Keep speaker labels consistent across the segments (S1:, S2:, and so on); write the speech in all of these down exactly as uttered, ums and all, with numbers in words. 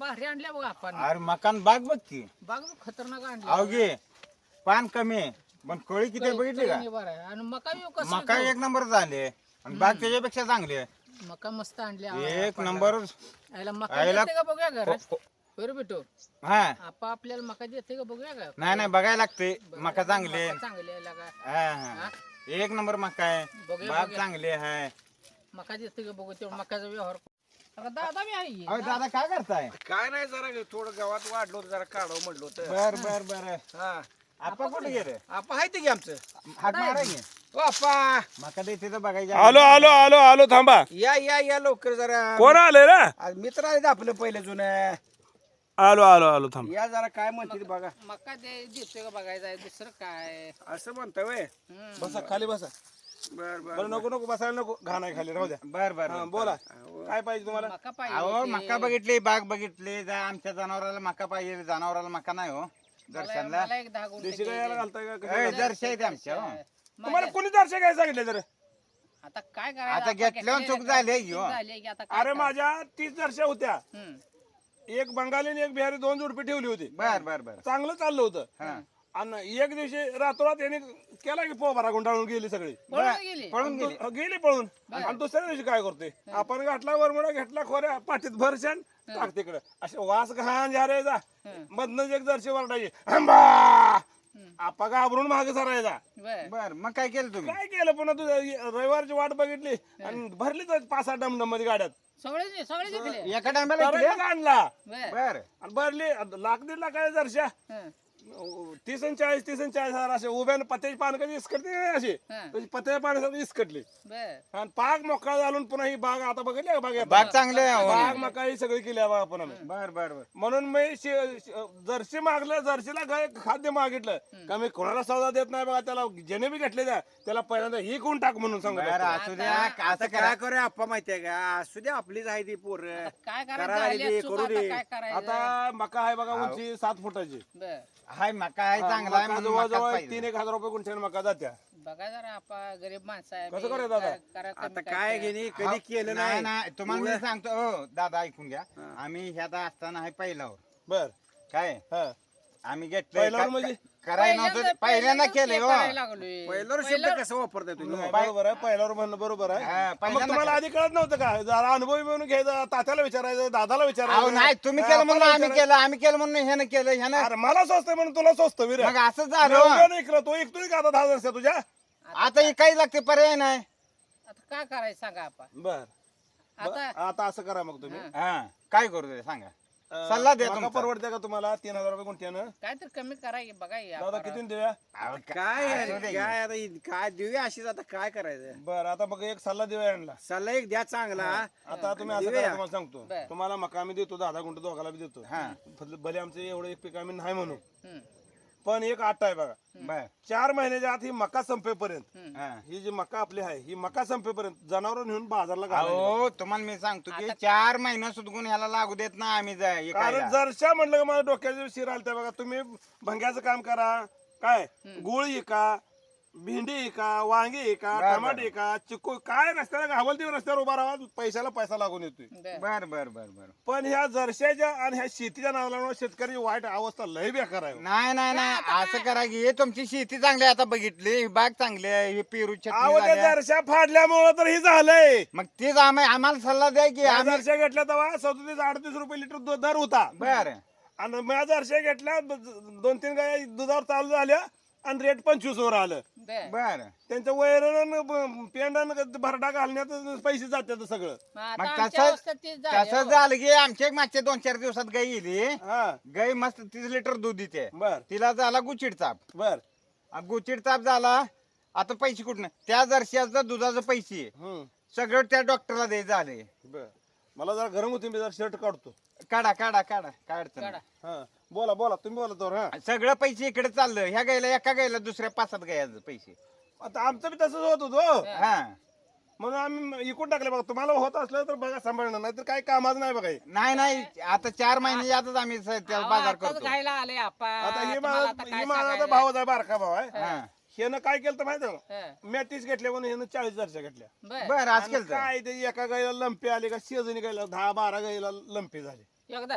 S1: भारी आणल्या बघा आपण.
S2: अरे मकान बाग बघ की
S1: बाग बघ, खतरनाक आणली.
S2: अवघे पान कमी आहे, पण कळी किती आहे बघितली का?
S1: चवीने बरं आहे. आणि मका बी कसं
S2: मका एक नंबर झाले आणि बाग त्याच्यापेक्षा चांगली आहे.
S1: मका मस्त आणली
S2: एक नंबर.
S1: याला मका
S2: आयला-
S1: देते का बघूया घर
S2: हो, हो.
S1: बरं बेटो.
S2: हा
S1: आपा आपल्याला मका देते का बघूया का?
S2: नाही नाही बघायला लागते. मका चांगली आहे.
S1: मका चांगली आहे लगा.
S2: हा हा एक नंबर मका आहे.
S1: बघूया,
S2: बाग
S1: बघूया.
S2: चांगली आहे.
S1: मका देते का बघू तेवढं मकाचा व्यवहार. आता दादा बी आहे.
S2: अहो दादा काय करताय?
S3: काय नाही जरा थोडं गावात वाढलो होतं, जरा काढावं म्हणलो होतं.
S2: बर बर बर.
S3: हा
S2: आपा कुठे गेले?
S3: आपा आहे ते की आमचं.
S2: हात मारा की.
S3: ओ आपा
S2: मका देते तर बघायचे.
S4: आलो आलो आलो आलो थांबा.
S3: या या या लवकर जरा.
S4: कोण आले रे?
S3: आज मित्र आहेत आपलं पहिलं जुनं.
S4: आलो आलो आलो थांब.
S3: या जरा काय म्हणते ते बघा.
S1: मका दे देतोय का बघायचं आहे दुसरं काय.
S3: असं म्हणता वय.
S1: हम्म.
S4: बसा खाली बसा.
S3: बर बर
S4: बरं नको नको बसायला नको, घाण आहे खाली, राहू द्या.
S2: बर बर
S4: हा,
S2: बर.
S4: बोला काय पाहिजे तुम्हाला?
S1: मका पाहिजे
S2: अहो
S1: होती.
S2: मका बघितली, बाग बघितली. जा आमच्या जनावराला मका पाहिजे. जनावराला मका नाही हो
S1: मला
S2: दर्शनला.
S1: मला एक दहा गुंठे
S4: देशी गायला
S1: दे.
S4: घालताय का
S2: ए,
S4: कसं?
S2: जर्शी आहे ते आमच्या हो.
S4: तुम्हाला कोणी दर्शक काय सांगितले तर?
S1: आता काय करायचं?
S2: आता
S1: आपण
S2: घेतल्यावर
S1: घेतले,
S2: चूक झाली आहे की
S1: चूक
S2: हो.
S1: झाली आहे की आता काय
S4: अरे
S1: करायचं?
S4: माझ्या तीस दर्शक होत्या.
S1: हम्म.
S4: एक बंगाली आणि एक बिहारी, दोन जोडपी ठेवली होती.
S2: बर बर बर.
S4: चांगलं चाललं होतं.
S2: हा.
S4: आणि एक दिवशी रातोरात यांनी केला की पोबारा गुंडाळून गेली सगळी.
S1: पळून गेली.
S2: पळून गेली.
S4: दु- गेली पळून. आणि दुसऱ्या दिवशी काय करते, आपण गाठला वरमुडा घेतला खोऱ्या पाठीत भरशान टाक तिकडे. असे वास घाण जा रे जा. मधनच एक जर्शी वरडायची आंबा. आपा घाबरून मागे सरायचा.
S1: बर.
S2: बर मग काय केलं तुम्ही?
S4: काय केलं पुन्हा तू रविवारची वाट बघितली आणि भरली तर पाच सहा डमडम मध्ये गाड्यात.
S1: सगळे सगळे जिंकले.
S2: एका टायमाला
S4: तराईला आणला
S1: बर.
S2: बर.
S4: आणि भरली लाख दीड लाख आहे जरशा.
S1: हं.
S4: तीस आणि चाळीस तीस आणि चाळीस हजार असे उभ्याने पत्त्याची पानं कधी इसकटली नाही अशी.
S1: हं.
S4: तशी पत्त्याच्या पाण्यासाठी इसकटली
S1: बर.
S4: आणि पाक मोकळा झालून पुन्हा ही बाग आता बघितली का बाग
S2: बाग चांगली आहे हो.
S4: बाग मका ही सगळी केली आहे बा आपण आम्ही.
S2: बर बर बर.
S4: म्हणून मी शे- शे- जर्सी मागलं, जर्सीला गाय खाद्य मागितलं का मी कोणाला सौदा देत नाही बघा. त्याला जेणे बी घेतले द्या त्याला पहिल्यांदा ही कोण टाक म्हणून सांगत
S2: बर
S4: असतो.
S2: असू द्या.
S3: आता
S2: असं करा.
S3: काय करूया आपा माहितीये का, असू दे आपलीच आहे ती पोर.
S1: काय
S3: करायला
S1: करायचं?
S3: लागली,
S1: झाली चूक,
S3: करू
S1: आता
S3: दे.
S1: काय करायचं?
S4: आता मका आहे बघा उंची सात फुटाची.
S1: बर.
S2: हाय मका आहे चांगला आहे
S4: मका
S2: म्हणून मकाच
S4: जवळजवळ
S2: पाहिजे.
S4: तीन एक हजार रुपये गुंठ्याने मका जात्या.
S1: बघा जरा आपण गरीब माणसं आहे.
S4: कसं करायचं दादा?
S1: करा कमी
S3: आता
S1: काय
S3: काय
S1: करा.
S3: घेणे
S2: हा,
S3: कधी केलं
S2: नाही
S3: नाही.
S2: नाही तुम्हाला मी सांगतो हो दादा ऐकून घ्या. आम्ही ह्यात असताना आहे पहिल्यावर
S4: बर
S2: काय
S4: हा
S2: आम्ही घेतलं
S4: पहिल्यावर म्हणजे?
S2: करायला नव्हतं पहिल्यांदा केलंय हो.
S1: करायला लागलोय.
S3: पहिल्यावर शब्द कसं वापरताय तुम्ही?
S4: नाही, बरोबर आहे पहिल्यावर म्हणणं बरोबर आहे.
S2: हा,
S4: मग
S2: पहिल्यांदा
S4: तुम्हाला
S2: काय?
S4: आधी कळत नव्हतं का, जरा अनुभवी म्हणून घ्यायचं, तात्याला विचारायचं, दादाला
S2: अहो
S4: विचारायचं.
S2: नाही तुम्ही
S4: हा,
S2: केलं म्हणून
S4: आपल्याला
S2: आम्ही
S4: विचारायचं.
S2: केलं आम्ही केलं म्हणून ह्यानं केलं ह्यानं.
S4: अरे मला स्वस्त आहे म्हणून तुला स्वस्त विरा.
S2: मग असं झालं
S4: नाही इकडं तो ऐकतोय का आता दहा वर्ष तुझ्या.
S2: आता हे काही लागते पर्याय नाही.
S1: आता काय करायचं सांगा आपण.
S4: बर
S1: आता
S4: आता असं करा मग तुम्ही.
S2: हा काय करू दे सांगा.
S4: अं,
S2: सल्ला द्या
S4: मका
S2: तुमचा.
S4: परवडते का तुम्हाला तीन हजार रुपये गुंठ्यानं?
S1: काय तर कमी कराय बघा या
S4: दादा किती देऊया?
S2: अहो,
S3: काय
S2: असू
S3: आहे,
S2: दे की.
S3: काय आता ही- काय देऊया अशीच, आता काय करायचं.
S4: बर आता मग एक सल्ला देऊया यांना.
S3: सल्ला एक द्या चांगला.
S4: आता तुम्ही असं
S3: देऊया.
S4: करा तुम्हाला सांगतो.
S1: बर.
S4: तुम्हाला मका आम्ही देतो, दहा दहा गुंठ दोघाला बी देतो.
S2: हा.
S4: भले भले आमचं एवढं एक पीक आम्ही नाही म्हणू,
S1: हम्म.
S4: पण एक आठ आहे बघा.
S2: बर
S4: चार महिन्याच्या आत ही मका संपेपर्यंत,
S1: हम्म.
S2: हा.
S4: ही जी मका आपली आहे ही मका संपेपर्यंत जनावर नेऊन बाजारला घालायची.
S2: अहो तुम्हाला मी सांगतो की चार महिना सुटकून ह्याला लागू देत ना आम्ही जा- हे
S4: कारण
S2: खायला.
S4: जरशा म्हणलं का मला डोक्याचे शिर आलते बघा. तुम्ही भंग्याचं काम करा, काय गुळ इका, भेंडी इका, वांगी इका,
S2: बर,
S4: टमाटे
S2: बर.
S4: इका, चिकू, काय रस्त्याला घावल ते रस्त्यावर उभा राहा, पैशाला पैसा लागून येतोय.
S1: बर.
S2: बर बर बर बर.
S4: पण ह्या जरशाच्या आणि ह्या शेतीच्या नावाला शेतकऱ्याची वाईट अवस्था लय बेकार आहे.
S2: नाही नाही नाही असं करा की हे तुमची शेती चांगली आहे, आता बघितली ही बाग चांगली आहे ही पेरू
S4: अहो
S2: छत्री
S4: त्या
S2: झाल्या.
S4: जरशा फाडल्यामुळं तर हे झालंय.
S2: मग तेच आम्ही आम्हाला सल्ला द्या की
S4: त्या
S2: आम्ही
S4: जरशा घेतल्या तेव्हा सदतीस अडतीस रुपये लिटर दूध दर होता.
S2: बर
S4: आणि मी जरशा घेतल्या दोन तीन गाय दुधावर चालू झाल्या आणि रेट पंचवीस वर आलं.
S1: बर.
S2: बर
S4: त्यांच्या वैरण पेंडन भरडा घालण्यात पैसे जातात सगळं.
S1: मग आता
S2: मग
S1: आमच्या
S2: तसं
S1: अवस्था तीच झाली,
S2: तसं
S1: हो.
S2: झालं की आमच्या एक मागच्या दोन चार दिवसात गाई येली
S4: हा
S2: गाई मस्त तीस लिटर दूध देते.
S4: बर
S2: तिला झाला गुचिड चाप
S4: बर
S2: आ, गुचिड चाप झाला. आता पैसे कुठनं त्या जर्शीचं दुधाचं पैसे
S4: हम्म
S2: सगळं त्या डॉक्टरला द्यायचं झाले.
S4: बर मला जरा गरम होती, मी जरा शर्ट काढतो.
S2: काढा काढा काढा काय अडचण
S1: काढा.
S2: नाही.
S4: हा बोला बोला तुम्ही बोला तर. हा
S2: सगळं पैसे इकडे चाललं ह्या गायला एका गायला दुसऱ्या पाच सात गायचं पैसे.
S4: आता आमचं बी तसंच होत होतो,
S2: हा
S4: म्हणून आम्ही इकून टाकले. बघा तुम्हाला होत असलं तर बघा सांभाळणं, नाही तर काही कामाच नाही बघा हे.
S2: नाही नाही आता चार महिने यातच आम्ही स- त्याला
S1: अहो,
S2: बाजार
S1: आताच
S2: करतो.
S1: घायला आले आपा.
S4: आता हे
S1: तुम्हाला
S4: माझा
S1: आता
S4: हे
S1: काय
S4: माझा आता
S1: सांगायचं?
S4: भाव आहे, बारका भाव आहे.
S2: हा
S4: ह्यानं काय केलं तर माहिती आहे
S1: हं.
S4: का, मी तीस घेतल्या म्हणून ह्यानं चाळीस जरशा घेतल्या.
S1: बर.
S2: बर आज
S4: आणि
S2: केलं
S4: काय ते एका गाईला लंपी आली का शेजणी गाईला दहा बारा गाईला लंपी झाली.
S1: एकदाच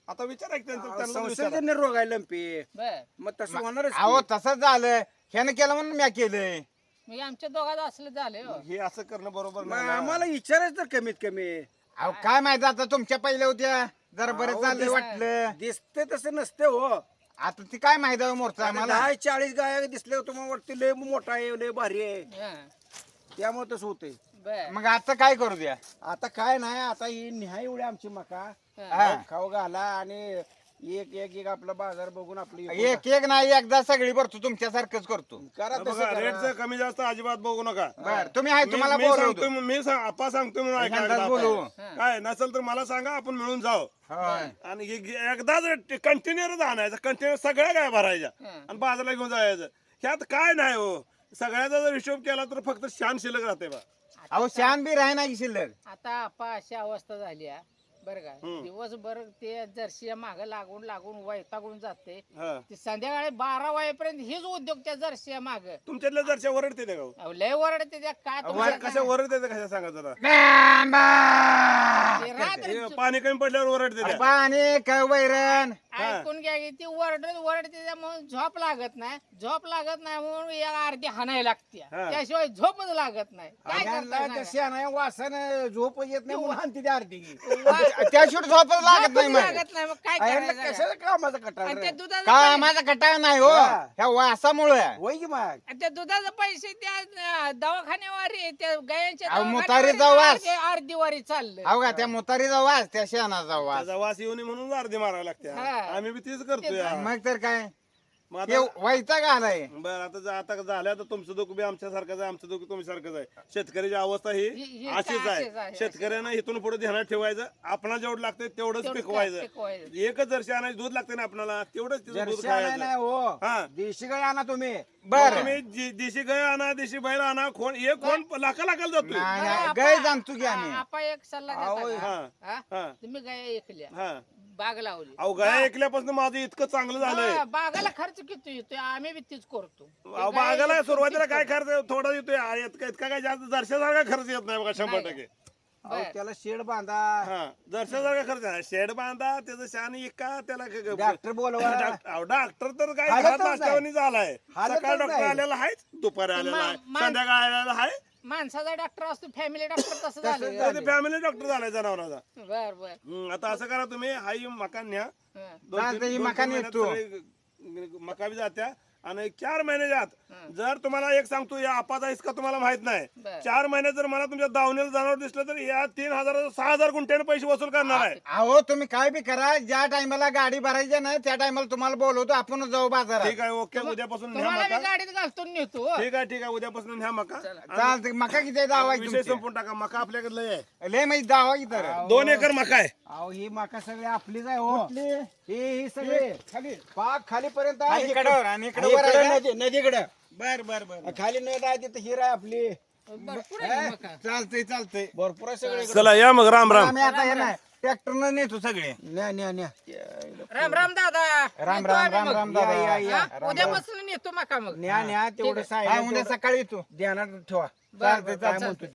S4: आता विचारा की त्यांचं
S3: अहो,
S4: त्यांना विचारा.
S3: संसर्गजन्य रोग आहे लंपी
S1: बर
S3: मग तसं होणारच की.
S2: अहो तसंच झालं ह्यानं केलं म्हणून मी केलंय
S1: मग आमच्या दोघात असलं झालं हो.
S4: हे असं करणं बरोबर
S3: मग
S4: नाही ना.
S3: आम्हाला विचारायचं तर कमीत कमी
S2: अहो काय माहित आता तुमच्या पहिल्या होत्या जरा बरं
S3: अहो,
S2: चाललंय
S3: दिस-
S2: वाटलं
S3: दिसते तसं नसते हो
S2: आता ती काय माहित आहे मोरचा
S3: आता
S2: आम्हाला
S3: दहा चाळीस गाय दिसले तुम्हाला वाटते लय मोठा आहे लय भारी आहे
S1: हा.
S3: त्यामुळे तसं होतंय
S1: बर
S2: मग आता काय करू द्या
S3: आता काय नाही आता ही निहाय एवढी आमची मका
S2: हा.
S3: खाऊ घाला आणि एक एक एक आपला बाजार बघून आपली
S2: एक एक नाही एकदा सगळी भरतो तुमच्यासारखंच करतो
S3: करा तसं
S4: बघा
S3: करा.
S4: रेटचं कमी जास्त अजिबात बघू नका
S2: बर तुम्ही आहे
S4: मी-
S2: तुम्हाला
S4: मी
S2: बोलवतो
S4: सांगतोय मी सांग- आपा सांगतोय म्हणून ऐका
S2: नंतर
S4: एकदा
S2: बोलू.
S4: आपण. काय नसेल तर मला सांगा आपण मिळून जाऊ
S2: होय.
S4: आणि एक- एकदाच कंटेनरच आणायचं कंटेनर सगळ्या काय भरायच्या
S1: हं.
S4: आणि बाजारला घेऊन जायचं ह्यात काय नाही हो सगळ्याचा जर हिशोब केला तर फक्त शान शिल्लक राहते बा
S2: अहो शान बी राही ना की शिल्लक
S1: आता आपा अशी अवस्था झाली आहे बरं का
S4: हम्म.
S1: दिवसभर ते जर्सी माग लागून लागून वैतागून जाते
S4: हा.
S1: ते संध्याकाळी बारा वाजेपर्यंत हेच उद्योग त्या जर्सी माग
S4: तुमच्यातल्या जरच्या वरडते ते का
S1: लय वरडते त्या काय
S4: वर
S1: तुम्हाला
S4: कशा वरडते ते कशा सांगा जरा
S1: ते रात्री
S4: हे पाणी कमी पडल्यावर वरडते त्या
S2: पाणी काय वैरण
S1: ऐकून घ्या की ती वरडत वरडते त्यामुळे झोप लागत नाही झोप लागत नाही म्हणून या अर्धी हाणायला लागते
S4: हा.
S1: त्याशिवाय झोपच लागत नाही काय
S3: यांना
S1: करता
S3: त्या शेणाया वासानं झोप येत नाही म्हणून हाणते त्या आरती
S2: त्याशिवाय झोपच लागत नाही मग
S1: लागत नाही मग काय करायचं
S3: कशाला कामाचा कटाळ
S1: आणि
S3: रे?
S1: त्या दुधाचं
S2: काय
S1: पै-
S2: माझा कटाळ नाही हो
S3: हा.
S2: ह्या वासामुळे
S3: होय की मग
S1: आणि त्या दुधाचे पैसे त्या अं, दवाखान्यावारी त्या गायांच्या
S2: अहो,
S1: दवाखान्यावारी
S2: मुतारीचा वास.
S1: अर्धी- अर्धी वारी चाललं
S2: अहो का त्या मुतारीचा वास त्या शेणाचा वास
S4: त्याचा वास येऊ नये म्हणून अर्धी मारायला लागते
S1: हा.
S4: आम्ही बी तीच करतोय
S2: मग तर काय
S4: मग
S2: हे
S4: आता
S2: वैताग आलाय
S4: बरं आता जा- आता झालं तर तुमचं दुःख बी आमच्या सारखंच आहे आमचं दुःख तुमच्या सारखंच आहे शेतकऱ्याची अवस्था ही
S1: ही- ही
S4: अशीच
S1: अशीच
S4: आहे
S1: आहे,
S4: शेतकऱ्यांना इथून पुढे ध्यानात ठेवायचं आपणाला जेवढं लागतंय तेवढंच
S1: तेवढं
S4: पिकवायचं
S1: पिकवायचं.
S4: एकच जर्शी आणायचं दूध लागते ना आपल्याला तेवढंच तिचं दूध
S3: जर्सी आणाय
S4: खायचं
S3: नाही हो
S4: हा.
S3: देशी गाय आणा तुम्ही
S2: बर
S4: तुम्ही जी- देशी गाय आणा देशी बैल आणा कोण एक कोण लाखा लाखाला जातोय
S2: नाही
S1: बरं,
S2: नाही
S1: आपा-
S2: गै जाणतो की आम्ही
S1: आपा एक सल्ला
S3: अहो,
S1: देता
S4: हा.
S1: का? हा?
S4: हा
S1: तुम्ही गाय ऐकल्या
S4: हा
S1: बाग लावली
S4: अहो गाय ऐकल्यापासून माझं इतकं चांगलं झालंय
S1: हा, बागाला खर्च किती येतोय आम्ही बी तीच करतो
S4: अहो,
S1: ते गाय
S4: बागाला
S1: एक-
S4: सुरुवातीला
S1: तीच
S4: काय
S1: करतो.
S4: खर्च थोडा येतोय आ, इतका इतका काय जास्त जरशासारखा खर्च येत नाही बघा शंभर
S1: नाही.
S4: टक्के
S3: अहो,
S1: बर.
S3: त्याला शेड बांधा
S4: हा जरशासारखा खर्च आहे शेड बांधा त्याचं शान इका त्याला क- क-
S3: डॉक्टर बोलवा
S4: डॉक्टर अहो, डॉक्टर तर काय
S3: हालतच
S4: घरात नाश्त्यावानी झालाय
S3: हालतच
S4: सकाळ डॉक्टर
S3: नाही.
S4: आलेला आहे दुपारी आलेला आहे
S1: मा-
S4: संध्याकाळी आलेला आहे
S1: माणसाचा डॉक्टर असतो फॅमिली डॉक्टर तसं झालं
S3: झालं.
S4: फॅमिली डॉक्टर झालाय जनावरांचा
S1: बर बर
S4: हम्म, आता असं करा तुम्ही हाई मकान न्या
S1: हं.
S4: दोन तीन-
S2: चालतंय, ही
S4: दोन तीन
S2: मकान
S4: महिन्यात
S2: येतो.
S4: सगळे मका बी जात्या आणि चार महिन्याच्या आत
S1: हं.
S4: जर तुम्हाला एक सांगतो या आपाचा इसका तुम्हाला माहित नाही
S1: बर.
S4: चार महिन्यात जर मला तुमच्या दावणीला जनावर दिसलं तर या तीन हजार सहा हजार गुंठ्याने पैसे वसूल करणार आहे
S2: अहो तुम्ही काय बी करा ज्या टायमाला गाडी भरायची ना त्या टायमाला तुम्हाला बोलवतो आपण जाऊ बाजारात
S4: ठीक आहे ओके उद्यापासून न्या
S1: तुम्हाला
S4: मका
S1: मी गाडीत घालतो नेतो हो.
S4: ठीक आहे ठीक आहे उद्यापासून न्या मका
S2: चालतंय मका किती दावा आहे
S4: विषय
S2: तुमचे?
S4: संपून टाका मका आपल्याकडे लय आहे
S2: लय माहिती दावा की तर
S4: दोन एकर मका आहे
S3: अहो ही माका सगळी आपलीच आहे हो ही ही सगळी
S2: खाली
S3: पाक खालीपर्यंत
S2: खाली
S3: आहे
S2: कडावर आणि इकडे
S3: आणि
S2: वर
S3: इकडं
S2: आहे का?
S3: नदी नदीकडे
S2: बर बर बर
S3: खाली नद आहे तिथं हिर आहे आपली
S1: भरपूर आहे मका.
S2: चालतंय चालतंय
S3: भरपूर आहे सगळे
S4: चला या मग राम राम
S2: आम्ही आता हे नाही ट्रॅक्टरनं नेतो सगळे
S3: न्या न्या न्या
S1: राम राम दादा
S2: राम
S1: नेतो
S2: राम
S1: आम्ही
S2: राम
S1: मग.
S2: राम
S3: या,
S2: दादा
S3: या, या.
S1: हा? उद्यापासून नेतो मका मग
S3: न्या न्या तेवढं
S2: हा,
S3: साहेब
S2: उद्या सकाळी येतो
S3: ध्यानात ठेवा
S2: चालतंय
S1: बरं,
S2: चालतंय
S3: म्हणतो